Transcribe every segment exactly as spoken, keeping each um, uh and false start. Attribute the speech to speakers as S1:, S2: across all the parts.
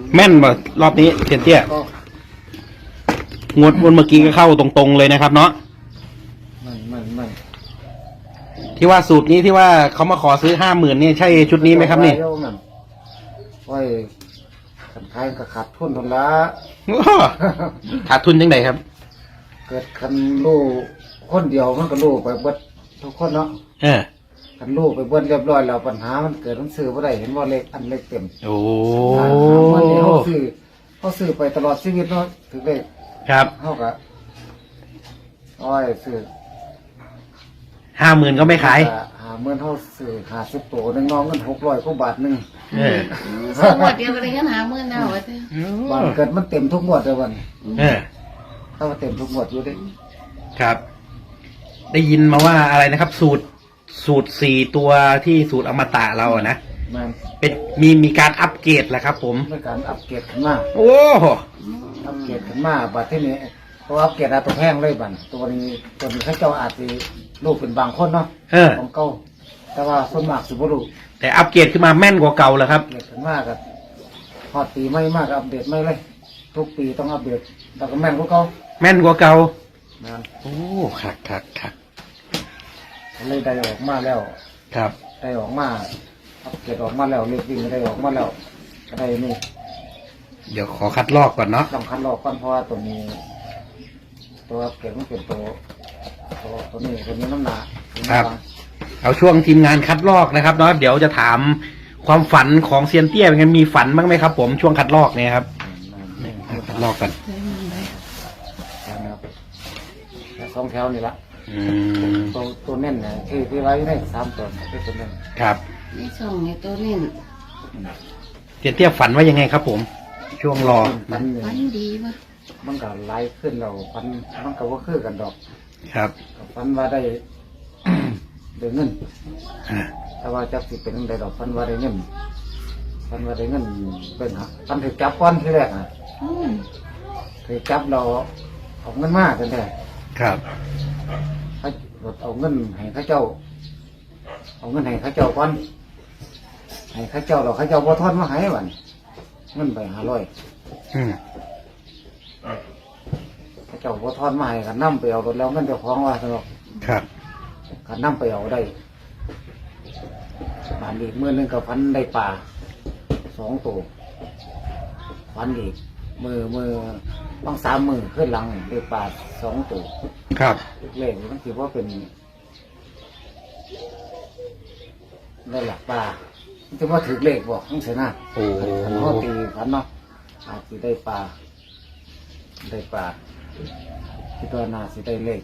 S1: แม่นบ่รอบนี้เทียนเตี้ย
S2: ก็
S1: งวดวันเมื่อกี้ก็เข้าตรงๆเลยนะครับเนาะ
S2: มันมันมัน
S1: ที่ว่าสูตรนี้ที่ว่าเขามาขอซื้อห้าหมื่นนี่ใช่ชุดนี้ไหมครับนี่
S2: เดี๋ยวมันไว้ขันขายก็ขาดทุนทุนละ
S1: โอ้ขาดทุนยังไงครับ
S2: เกิดคันลูกคนเดียวมันก็ลูกไปเบิดทุกคนเนาะ
S1: เออ
S2: คันลูกไปเบิดเรียบร้อยแล้วปัญหามันเกิดมันซื้อบ่ได้เห็นว่าเลขอันเลขเต็ม
S1: โอ้
S2: มันเนี่ยเขาซื้อเขาซื้อไปตลอดชีวิตเนาะถึงเลข
S1: ครับ
S2: เขาก็อ้อยซื้อ
S1: ห้าหมื่นก็ไม่ขาย
S2: หาเมื่อเขาซื้อหาสิบตัวหนึ่งน้องเงินหกร้อยกว่าบาทหนึ่ง
S1: เออ
S3: สองงวดเดียวก็เลยงั้นหาเมื่อแล้วว่าเถอะ
S2: บานเกิดมันเต็มทุกงวดเลยวัน
S1: เออ
S2: ถ้าว่าเต็มทุกงวดอยู่ดิ
S1: ครับ ได้ยินมาว่าอะไรนะครับ สูตรสูตรสี่ตัวที่สูตรอมตะเราอะนะ
S2: มัน
S1: เป็นมีมีการอัปเกรดแหละครับ ผม
S2: ในการอัปเกรดขึ้นมา
S1: โอ้
S2: อัปเกรดขึ้นมาบัดที่นี้ตัวอัปเกรดอาตัวแพงเลยบัดตัวนี้ตัวนี้เขาเจ้าอาจจะลูกเป็นบางคนเนาะ
S1: เออ
S2: ของเก่าแต่ว่าส่วนมากสิบ่รู้
S1: แต่อัปเกรดขึ้นมาแม่นกว่าเก่าแล้วครับ
S2: เกรดขึ้นมากับพอดปีไม่มากก็อัปเดตไม่เลย ทุกปีต้องอัปเดตแล้วก็แม่นกว่าเก่า
S1: แม่นกว่าเก่า
S2: นั่น
S1: โอ้คักคักคัก
S2: เลยได้ออกมาแล้ว
S1: ครับ
S2: ได้ออกมาอัปเกรดออกมาแล้วเรียกวิ่งได้ออกมาแล้วก็ได้นี่
S1: เดี๋ยวขอคัดลอกก่อนเนาะ
S2: ต้องคัดลอกก่อนเพราะว่าตัวนี้ ตัวอัปเกรดมันเป็นตัวตัวตัวนี้ตัวนี้น้ำหนัก
S1: ครับ เอาช่วงทีมงานคัดลอกนะครับเนาะเดี๋ยวจะถามความฝันของเซียนเตี้ยเป็นไงมีฝันบ้างไหมครับ ผมช่วงคัดลอกเนี่ยครับคัดลอกกัน
S2: นะครับสองแถวนี่ละ
S1: อืม
S2: ตัวตัวเน่นเนี่ยที่ที่ไว้ได้สามตัวเป็นตัวเน่น
S1: ครับ
S3: นี่ส่งในตัวนี่
S1: เซียนเตี้ยฝันว่ายังไงครับ ผม ช่วงรอ
S2: ฟันเนี่ย
S3: ฟันดีวะ
S2: มันก็ไล่ขึ้นเราฟันมันก็ว่าคือกันดอก
S1: ครับ
S2: ก็ฟันว่าได้ ได้เงิน
S1: อ่า
S2: แต่ว่าจักสิเป็นได้ดอกฟันว่าได้เงินฟันว่าได้เงินเป็นฮะฟันถือจับก้อนที่แรกอ่ะ
S3: อืม
S2: ถือจับเราเอาเงินมากกันแท้
S1: ครับ
S2: เขาเอาเงินให้เข้าเจ้า เอาเงินให้เข้าเจ้าก่อนให้เข้าเจ้าเราเข้าเจ้าบ่ทอนมาให้วันเงินไปห้าร้อย
S1: อืม
S2: เข้าเจ้าบ่ทอนมาให้กันนำไปเอารถแล้วเงินเจ้าของว่าสนอก
S1: ครับ
S2: กันนำไปเอาได้บานอีกมือหนึงกับพันได้ปลาสองตัวพันอีกมือมือบางสามมือขึ้นหลังได้ปลาสองตัว
S1: ครับ
S2: เลขมันถือว่าเป็นได้หลักปลาถือว่าถือเลขบอกทั้งเสียหน้า
S1: โอ้
S2: ขันเขาตีขันเนาะอาจจะได้ปลาได้ปลาคิดว่าน่าสิได้เลข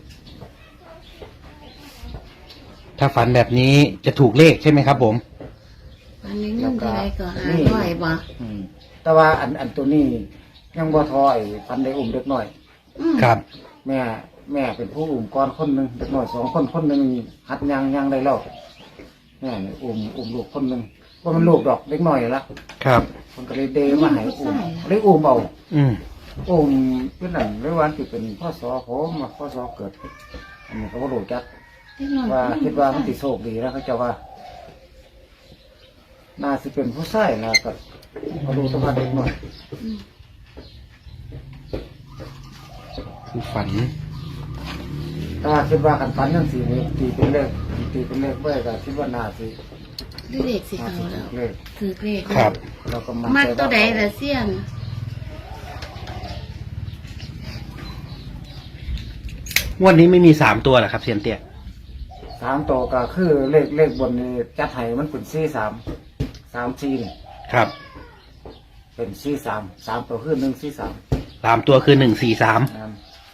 S1: ถ้าฝันแบบนี้จะถูกเลขใช่ไหมครับผม
S3: ฟันนี้เงินเท่าไรก็หาร้อยบ่
S2: อืมแต่ว่าอันอันตัวนี้ยังบ่ทอไอ้พันได้อุ้มเด็กน้อย
S3: อืม
S1: ครับ
S2: แม่แม่เป็นผู้อุ้มก่อนคนหนึ่งเด็กน้อยสองคนคนหนึ่งหัดยังยังได้แล้วแม่นี่อุ้มอุ้มลูกคนหนึ่งว่ามันลูกดอกเด็กน้อยละ
S1: ครับ
S2: มันก็เลยเดมาให้อุ้มเลยอุ้มเอา
S1: อืม
S2: อุ้มเป็นนั่นเลยวันที่เป็นพ่อสอผมมาพ่อสอเกิด อันนี้เขาก็รู้จัก
S3: เล็กน้อย
S2: ว่าคิดว่ามันติโชคดีแล้วเขาเจะว่า น่าสิเป็นผู้ชายนะก็มาดูตัวเด็กน้อย
S3: อืม
S1: คือฝัน
S2: ถ้าคิดว่ากันฝันยังสี่นี้ตีเป็นเลขตีเป็นเลขไว้ก็คิดว่าน่าสิ
S3: ด้วยเด็กสิ
S2: น่า
S3: เขา
S2: สิ
S3: แล้ว
S2: เลข
S3: ถือเลข
S1: ครับ
S2: เราก็
S3: มัด
S2: ใจ
S3: ตัวใดละเสี้ยน
S1: งวดนี้ไม่มีสามตัวเหรอครับเซียนเตี้ย
S2: สามตัวก็คือเลขเลขบนนี้จัดให้มันเป็นสี่สามสามสี่นี่
S1: ครับ
S2: เป็นสี่สามสามตัวคือหนึ่งสี่สาม
S1: สามตัวคือหนึ่งสี่สาม
S2: นะครับ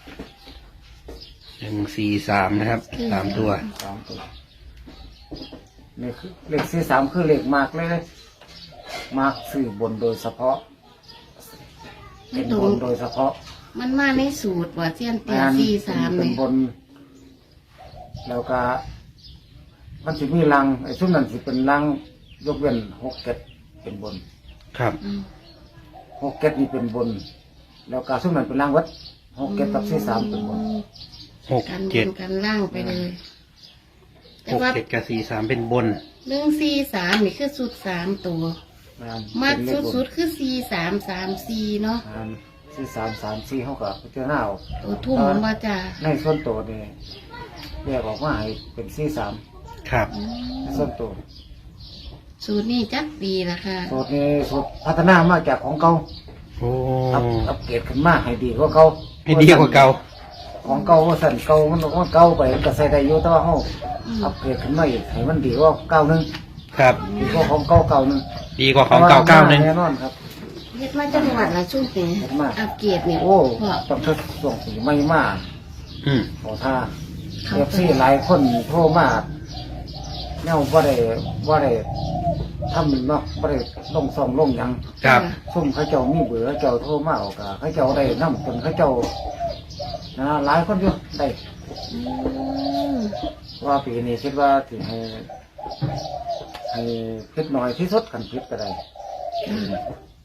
S1: หนึ่งสี่สามนะครับสามตัว
S2: สามตัวนี่คือเลขสี่สามคือเลขมากเลยมากสื่อบนโดยเฉพาะ
S3: ไม่
S2: เป็น
S3: ตร
S2: บ
S3: ง
S2: นโดยเฉพาะ
S3: มันมาในสูตรว่าเสี้ยนเตีย
S2: งาน
S3: สี่สาม
S2: เป็น
S3: เนี่ย
S2: บน แล้วก็มันสิมีรังไอ้ช่วงนั้นสิเป็นรังยกเว้นหกเก็ดเป็นบน
S1: ครับ
S3: อืม
S2: หกเก็ดนี่เป็นบน แล้วก็ช่วงนั้นเป็นรังวัดหกเก็ดกับสี่สามเป็นบน
S1: หก
S3: กันบ
S1: เจ็ด
S3: นกันล่างไปเลยแต่
S1: หก
S3: ว่า
S1: เจ็ดกับสี่สามเป็นบน
S3: เรื่องสี่สามนี่คือสูตรสามตัว
S2: องาน
S3: มาก
S2: เป็นเลขบน
S3: สุดๆคือสี่สามสามสี่เนาะ
S2: งานสี่สามสามสี่เขาก็พิจารณาเอา
S3: ตัวทุ่มมันมาจ้า
S2: ในส่วนตัวนี่แยกออกมาให้เป็นสี่สาม
S1: ครับ
S3: อืม
S2: ส่วนตัว
S3: สูตรนี้จักปีละค่ะ
S2: สูตรนี้สูตรพัฒนามาจากของเก่า
S1: โอ้
S2: อัพอัปเกรดขึ้นมาให้ดีกว่าเก่า
S1: ให้ดีกว่าเก่า
S2: ของเก่าว่าสั่นเก่ามันว่าเก่าไปก็ใส่ได้อยู่แต่ว่าเขา
S3: อืม
S2: อัปเกรดขึ้นมาอีกให้มันดีกว่าเก่าหนึง
S1: ครับ
S2: ดีกว่าของเก่าเก่าหนึง
S1: ดีกว่าของเก่าเก้าหนึ่ง
S2: แน่นอนครับ
S3: เฮ็ดมาจังหวัดละช่วงนี้
S2: เฮ็ดมา
S3: อัปเกรดเนี่ย
S2: โอ้
S3: พ่อ
S2: ต้องทดส่งสีไม่มาก
S1: อืม
S2: ขอท่าเอฟซีหลายคนโทรมาเนี่ยว่าได้ว่าได้ทำเนาะว่าได้ลงซองลงหยัง
S1: ครับ
S2: ซุ่มเขาเจ้ามีเบื่อเขาเจ้าโทรมาเอากะเขาเจ้าได้น้ำจนเขาเจ้านะหลายคนอยู่ได้
S3: อืม
S2: ว่าปีนี้คิดว่าถึงให้ให้พิษหน่อยที่สุดกันพิษก็ได้
S3: ค่ะ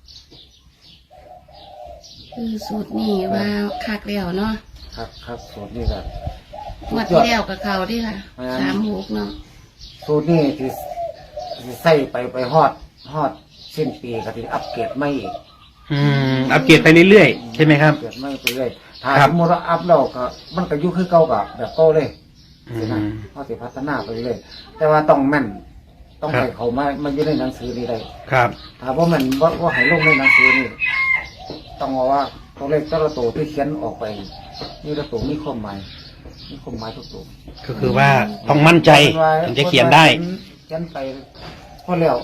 S3: คือสูตรนี้ว่าคักแล้วเนาะ
S2: ครับครับสูตรนี้ก็
S3: งวดที่แล้วกับเขาดิค่ะ
S2: แม่น
S3: สามหกเนาะ
S2: สูตรนี้ที่ที่ใส่ไปไปฮอดฮอดสิ้นปีก็ที่อัปเกรดไม่อีก
S1: อืม อัปเกรดไปเรื่อยๆ ใช่ไหมครับ
S2: เกิดไม่ไปเรื่อยถ้า
S1: ครับ
S2: สมมติว่าอัพแล้วก็มันก็อยุ่คือเก่ากับแบบเก่าเลย
S1: อื
S2: สินะ
S1: ม
S2: เขาสิพัฒนาไปเรื่อยแต่ว่าต้องแม่น ต้อง
S1: ครับ
S2: ให้เขามามันอยู่ในหนังสือนี่ได้
S1: ครับ
S2: ถ้าว่ามันว่าว่าให้ลงในหนังสือนี่ต้องเอาว่าตัวเลขแต่ละตัวที่เขียนออกไปนี่ละตัวมีความหมายมีความหมายทุกตัว
S1: ก็คือว่าต้องมั่นใจถึงจะเขียนได้
S2: เขียนไปพอแล้ว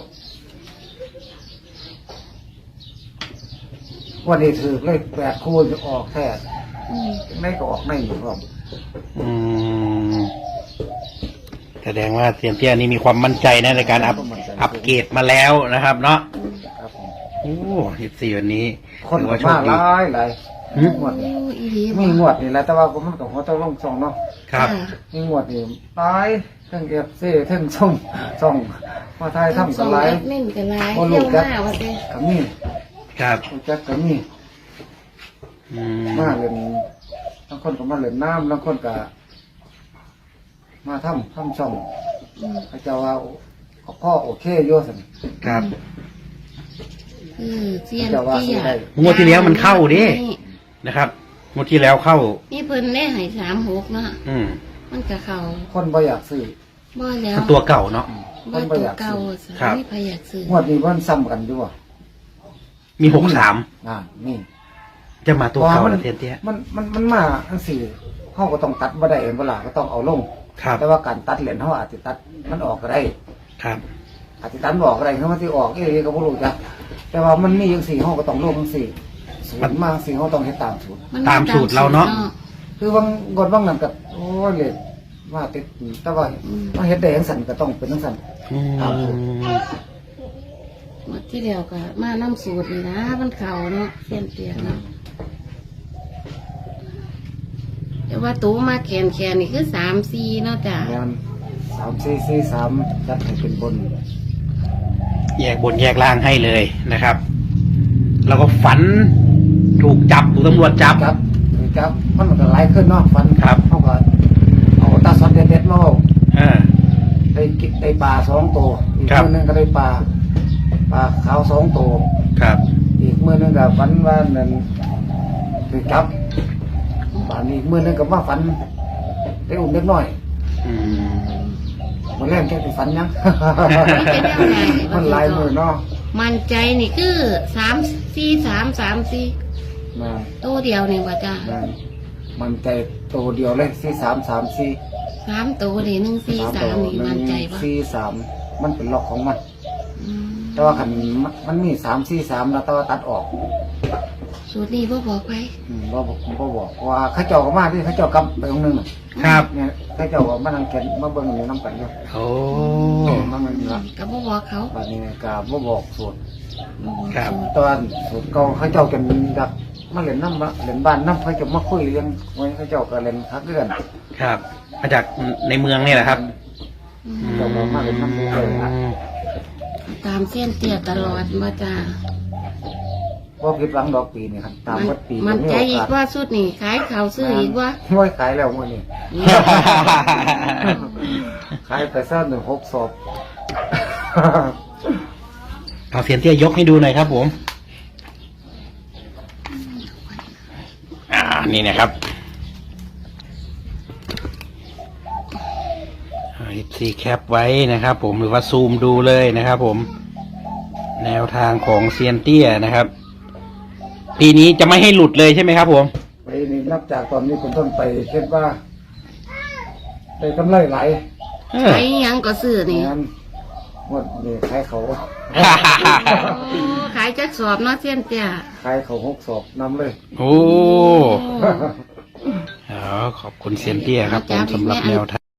S2: วันนี้ถือเลขแปดคู่จะออกแท้
S3: อืม
S2: ไม่ก็ออกไม่อยู่พร้อม
S1: อืม แสดงว่าเซียนเตี้ยนี่มีความมั่นใจนะในการอัพอัปเกรดมาแล้วนะครับ เนาะ
S2: ครับผม
S1: โอ้สิบสี่วันนี้
S2: คน
S1: ถือ
S2: ก็
S1: ว่าโช
S2: มา
S1: ค
S2: ห
S1: ดี
S2: ลายหลาย
S1: หืม
S2: งวดนี่
S3: โอ้อีหลี
S2: มีงวดนี่แหละแต่ว่ามันกับหัวตะลงซองเนาะ
S1: ครับ
S3: ะ
S2: มีงวดนี่หลายทั้งเอฟซีทั้งส่งส่งมาไทยทำ
S3: ส
S2: กั
S3: อน ง
S2: หลาย
S3: แอดมินกันหลาย
S2: บ่รู้
S3: เที่ยว
S2: จัก
S3: มาว่าเด้
S2: กับมี
S1: ครับ
S2: รู้จักกับมี
S1: อืม
S2: มาเล่นบางคนก็มาเล่นน้ำบางคนก็มาทำทำช่อง
S3: อืม
S2: เขาเจะว่าพ่อโอเคโยสัน
S1: ครับ
S3: คือเซียน
S2: จะว่า
S3: เตี้ย
S2: สิได้
S1: งวดที่แล้วมันเข้าดิ นะครับงวดที่แล้วเข้า
S3: นี่เพิ่นได้ให้สามหกเนาะ
S1: อืม
S3: มันก็เข้า
S2: คนบ่อยากซื้อ
S3: บ่แล้ว
S1: มันตัวเก่าเนาะ
S3: บ่ตัวเก่าสิ
S1: ครับ
S3: ไม่พยายากซื้อง
S2: วดนี้มันซ้ำกันด้วย
S1: มีหกสาม
S2: อ่านี่
S1: จะมาตัวเก่า
S2: มั
S1: แล้วเซียนเตี้ย
S2: มันมันมันมาทั้งสี่เขาก็ต้องตัดบ่ได้เองเวลาก็ต้องเอาลง
S1: ครับ
S2: แต่ว่าการตัดเหรียญเขาอาจจะตัดมันออกก็ได้
S1: ครับ
S2: อาจจะตัดบ่ออกก็ได้เขามันที่ออกเอ้ยก็บ่รู้จ้ะแต่ว่ามันมีอย่างสี่เขาก็ต้องลงทั้งสี่สูตรมาสี่เขาต้องให้ตามสูตร
S3: น
S1: ตามสูตรเราเนาะ
S2: คือบางกดบางนั่นก็โอ้ยเลยว่าติดแต่ว่ามันเฮ็ดได้จังสั่นก็ต้องเป็นจังสั่น
S1: อืม
S3: หมดที่เดียวก็มาน้ำสูตรนี่นะมันเข่าเนาะเส้นเตียงเนาะแต่ว่าตู้มาแขนแขนนี่คือสามสี่เนาะจ้ะ
S2: งานสามสี่สี่สามจัดให้เป็นบน
S1: แยกบนแยกล่างให้เลยนะครับ แล้วก็ฝันถูกจับถูกตำรวจจับ
S2: ครับคือจับมันก็หลายขึ้นเนาะฟัน
S1: ครับ
S2: เขาก็เอาตาซอดเด็ดๆมาเอา
S1: อ่า
S2: ได้กินได้ปลาสองตัวอีก
S1: ครับ
S2: มือหนึงก็ได้ปลาปลาขาวสองตัว
S1: ครับ
S2: อีกมือหนึงก็ฝันว่านั่นคือจับปลาอีกมือหนึงก็ว่าฝันได้อุ่นเล็กน้อย
S1: อืม
S2: มันแรกแค่ฝันยัง
S3: เป็นยังไง
S2: มันหลายมือเนาะ
S3: มันใจนี่คือสามสี่สามสามสี่
S2: มา
S3: ตัวเดียวนี่ว่าจ้ะ
S2: มามันใจตัวเดียวเลยสี่สามสามสี่
S3: สามตัวนี่หนึ่งสี่
S2: สาม
S3: สา
S2: ตัว
S3: มนี่
S2: หนึ่
S3: มัน
S2: ง
S3: ใจปะ
S2: สี่สามมันเป็นล็อกของมัน
S3: อืม
S2: แต่ว่าขันมันมันมีสามสี่สามแล้วแต่ว่าตัดออก
S3: สูตรนี้พ่บอกไป
S2: อืมบ่บอกบ่บอกเพราะว่าเข้าเจ้าก็มาที่เข้าเจ้ากำไปตรงนึงน่ะ
S1: ครับ
S2: เนี่ยเข้าเจ้าก็มานั่งเขียนมาเบิ่งอยู่น้ำกันอยู่
S1: โอ้
S2: มันมันละ
S3: กับพ่บอกเขา
S2: บัดนี้ก็บ่บอกสูตร
S3: บ่บอก
S1: ครับ
S3: สูตร
S2: ตอนสูตรเก่าเข้าเจ้ากันดักมาเล่นน้ำมาเล่นบ้านน้ำเขาจะมาคุยเรื่องไว้เข้าเจ้าก็เล่นคักเดือน
S1: ครับ มาจากในเมืองนี่แหละครับ
S3: อื
S1: อื
S3: ม
S1: ม
S2: เจ้าก็มาเล่นน้ำเลยนะ
S3: ตามเส้นเตี้ยตลอดมาจ้ะ
S2: ว่าผิดหวังดอกปีนี่ครับตาม
S3: มัน
S2: วัดปี
S3: มันใจอีก
S2: ว่า
S3: ว่าสุดนี่ขายข่าวซื้ออีกว่า
S2: ห้วยขายแล้วมื้อนี้ขายไปซ่าหนึ่งหกศพ
S1: เอาเซียนเตี้ยยกให้ดูหน่อยครับผมอ่านี่นะครับซีแคปไว้นะครับผมหรือว่าซูมดูเลยนะครับผมแนวทางของเซียนเตี้ยนะครับปีนี้จะไม่ให้หลุดเลยใช่ไหมครับผม
S2: ไปนี่นับจากตอนนี้เป็นต้นไปคิดว่าได้กำไรหลาย
S1: เออ
S3: ใช้หยังก็ซื้อนี่
S2: งานหมดนี่ขายเขา
S3: โอ้ขายจักสอบเนาะเสี้ยนเตี้ย
S2: ขายเขาหกศอกนำเลย
S1: โอ้อ๋อขอบคุณเซียนเตี้ยครับผมสำหรับแนวทาง